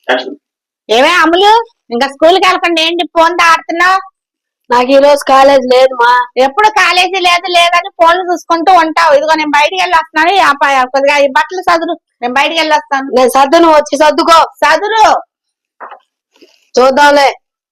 ఏమే అమ్ములు, ఇంకా స్కూల్ కి వెళ్ళకుండా ఏంటి ఫోన్ ఆడుతున్నావు? నాకు ఈ రోజు కాలేజ్ లేదు మా. ఎప్పుడు కాలేజీ లేదు లేదని ఫోన్లు చూసుకుంటూ ఉంటావు. ఇదిగో నేను బయటికి వెళ్ళి వస్తున్నాను. కొద్దిగా ఈ బట్టలు సదురు, నేను బయటికి వెళ్ళి వస్తాను. నేను సర్దును, వచ్చి సర్దుకో. సదురు చూద్దాంలే.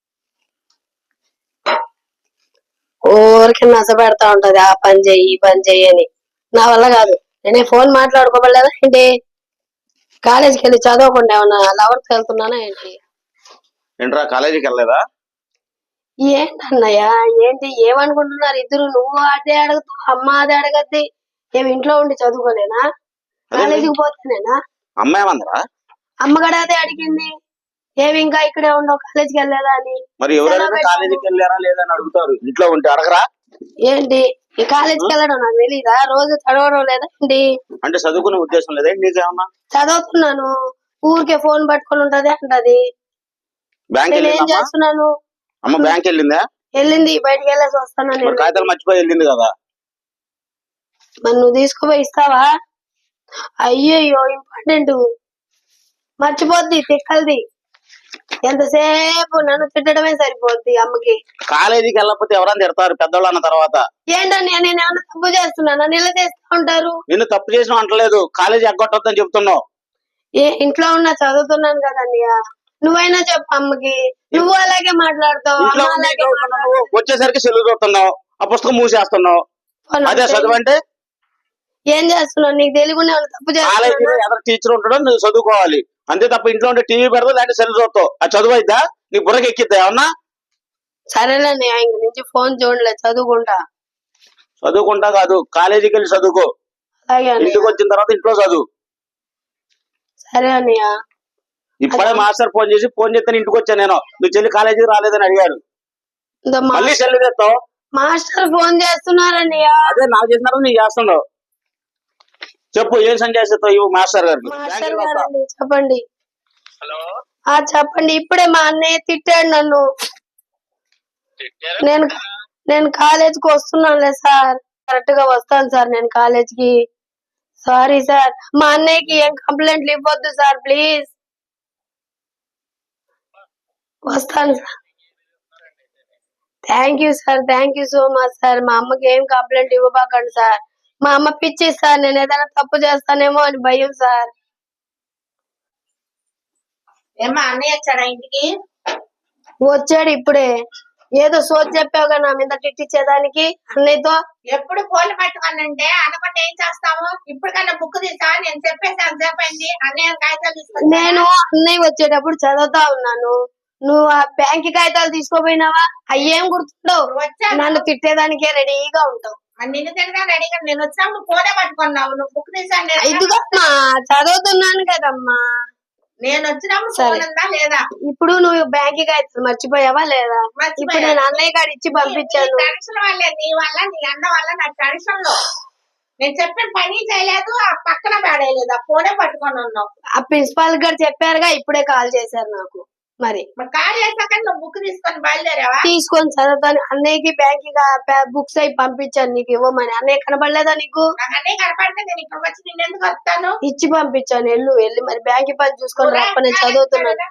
ఊరికి నచ్చ పెడతా ఉంటది, ఆ పని చెయ్యి ఈ పని చెయ్యి అని. నా వల్ల కాదు. నేనే ఫోన్ మాట్లాడుకోవలేదా ఏంటి? కాలేజీకి వెళ్ళి చదవకుండా ఏమన్నా లవర్కి వెళ్తున్నానా ఏంటి? ఏంట్రా కాలేజీకి వెళ్ళలేదా? ఏంటన్నయ్య, ఏంటి ఏమనుకుంటున్నారు ఇద్దరు? నువ్వు అదే అడుగుతావు, అమ్మ అదే అడగద్ది. ఏమి ఇంట్లో ఉండి చదువుకోలేనా? కాలేజీకి పోతేనేనా? అమ్మ ఏమందరా? అమ్మగడ అదే అడిగింది. ఏమి ఇంకా ఇక్కడే ఉండవు, కాలేజీకి వెళ్ళలేదా అని. మరి ఎవరైనా కాలేజీకి వెళ్ళారా లేదా అని అడుగుతారు, ఇంట్లో ఉంటే అడగరా? ఏంటి ఈ కాలేజీకి వెళ్ళడం నాకు తెలీదా? రోజు చదవడం లేదా ఏంటి? అంటే చదువుకునే ఉద్దేశం లేదా నీకేమన్నా? చదువుతున్నాను, ఊరికే ఫోన్ పట్టుకొని ఉంటది అంటది. బ్యాంక్ నేను ఏం చేస్తున్నాను? అమ్మ బ్యాంక్ వెళ్ళిందా? వెళ్ళింది, బయటికి వెళ్ళేసి వస్తాను. కాగితాలు మర్చిపోయి వెళ్ళింది కదా. మరి నువ్వు తీసుకుపోయి ఇస్తావా? అయ్యయ్యో, ఇంపార్టెంట్ మర్చిపోద్ది, తిక్కలది. ఎంతసేపు నన్ను తిట్టడమే సరిపోద్ది అమ్మకి. కాలేజీకి వెళ్ళకపోతే ఎవరైనా తిడతారు పెద్దవాళ్ళు అన్న తర్వాత. ఏంటని నేను ఏమన్నా తప్పు చేస్తున్నాను? నిల చేస్తూ ఉంటారు. నిన్ను తప్పు చేసిన అంటలేదు, కాలేజీ ఎగ్గొట్టొద్దని చెప్తున్నావు. ఇంట్లో ఉన్నా చదువుతున్నాను కదన్నయ్య, నువ్వైనా చెప్పు అమ్మకి. నువ్వు అలాగే మాట్లాడతావు. వచ్చేసరికి సెల్లు చూస్తున్నావు, ఆ పుస్తకం మూసేస్తున్నావు. అదే చదువు అంటే? ఏం చేస్తున్నావు? నీకు తెలియకుండా తప్పు కాలేజీలో ఎవరు టీచర్ ఉంటాడో నువ్వు చదువుకోవాలి అంతే తప్ప ఇంట్లో ఉంటే టీవీ పెడతావు లేదంటే సెల్ చూస్తావు. అది చదువు అయిద్దా? నీ బుర్రకి ఎక్కిద్దా ఏమన్నా? సరేనండి, ఇంక నుంచి ఫోన్ చూడలే, చదువుకుంటా. చదువుకుంటా కాదు, కాలేజీకి వెళ్ళి చదువుకో. ఇంటికి వచ్చిన తర్వాత ఇంట్లో చదువు. సరే అన్నయ్య. ఇప్పుడే మాస్టర్ ఫోన్ చేస్తే ఇంటికి వచ్చాను నేను, నువ్వు చెల్లి కాలేజీకి రాలేదని అడిగాడు. మళ్ళీ సెల్ చేస్తావు. మాస్టర్ ఫోన్ చేస్తున్నారన్నయ్య. అదే నాకు చేసినారు, నీకు చేస్తున్నావు. చెప్పు, ఏం సందేశం చేస్తావు ఇవ్వు మాస్టర్ గారికి. మాస్టర్ గారండి, చెప్పండి. చెప్పండి. ఇప్పుడే మా అన్నయ్య తిట్టాడు నన్ను. నేను కాలేజీకి వస్తున్నానులే సార్, కరెక్ట్ గా వస్తాను సార్ నేను కాలేజీకి. సారీ సార్, మా అన్నయ్యకి ఏం కంప్లైంట్లు ఇవ్వద్దు సార్ ప్లీజ్. వస్తాను sir. Thank you sir, thank you so much sir. మా అమ్మకి ఏం కంప్లైంట్ ఇవ్వబాకండి సార్. మా అమ్మ పిచ్చి సార్, నేను ఏదైనా తప్పు చేస్తానేమో అని భయం సార్. ఏమా అన్నయ్య వచ్చాడా ఇంటికి? వచ్చాడు ఇప్పుడే. ఏదో సోది చెప్పావుగా నా మీద తిట్టించేదానికి అన్నయ్యతో. ఎప్పుడు ఫోన్లు పట్టుకోనంటే అనుకుంటే ఏం చేస్తాము? ఇప్పటికన్నా బుక్ తీసా, నేను చెప్పేసాను చెప్పండి. అన్నయ్య కాగితాలు తీసుకొని. నేను అన్నయ్య వచ్చేటప్పుడు చదువుతా ఉన్నాను, నువ్వు ఆ బ్యాంక్ కాగితాలు తీసుకోపోయినావా? అయ్యేం గుర్తుండవు, నన్ను తిట్టేదానికే రెడీగా ఉంటావు. నిన్ను తినగా రెడీగా నేను వచ్చినప్పుడు ఫోనే పట్టుకున్నావు. నువ్వు బుక్ తీసాను. ఇదిగోమ్మా, చదువుతున్నాను కదమ్మా. నేను వచ్చినప్పుడు ఫోన్ ఉందా లేదా? ఇప్పుడు నువ్వు బ్యాంక్ కాగితాలు మర్చిపోయావా లేదా? ఇప్పుడు నేను అన్నయ్య గారు ఇచ్చి పంపించాను. టెన్షన్ వల్లే, నీ వల్ల నీ అన్న వల్ల నాకు టెన్షన్ లో నేను చెప్పిన పని చేయలేదు, ఆ పక్కన పడేయలేదు, ఆ ఫోనే పట్టుకొని ఉన్నావు. ఆ ప్రిన్సిపాల్ గారు చెప్పారుగా, ఇప్పుడే కాల్ చేశారు నాకు. మరి కాల్ చేశాక నువ్వు బుక్ తీసుకొని బయలుదేరావా? తీసుకొని చదువుతాను. అన్నయ్యకి బ్యాంక్ బుక్స్ అయి పంపించాను నీకు ఇవ్వమని. అన్నయ్య కనబడలేదా నీకు? అన్నయ్య కనపడితే నేను ఇక్కడికి వచ్చి నేను ఎందుకు వస్తాను? ఇచ్చి పంపించాను, వెళ్ళి మరి బ్యాంక్ పని చూసుకొని రాప్ప, నేను చదువుతున్నాను.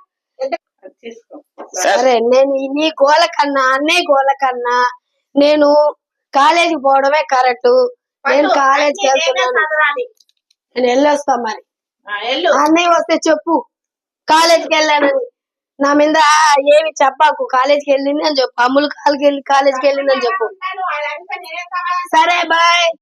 సరే, నేను నీ గోల కన్నా అన్నయ్య గోల కన్నా నేను కాలేజీకి పోవడమే కరెక్ట్. నేను కాలేజీకి వెళ్తున్నాను, నేను వెళ్ళొస్తా. మరి అన్నయ్య వస్తే చెప్పు కాలేజీకి వెళ్ళానని. నా మీద ఏమి చెప్పాకు, కాలేజీకి వెళ్ళింది అని చెప్పు. అమ్ములు కాలేజీకి వెళ్ళింది అని చెప్పు. సరే బాయ్.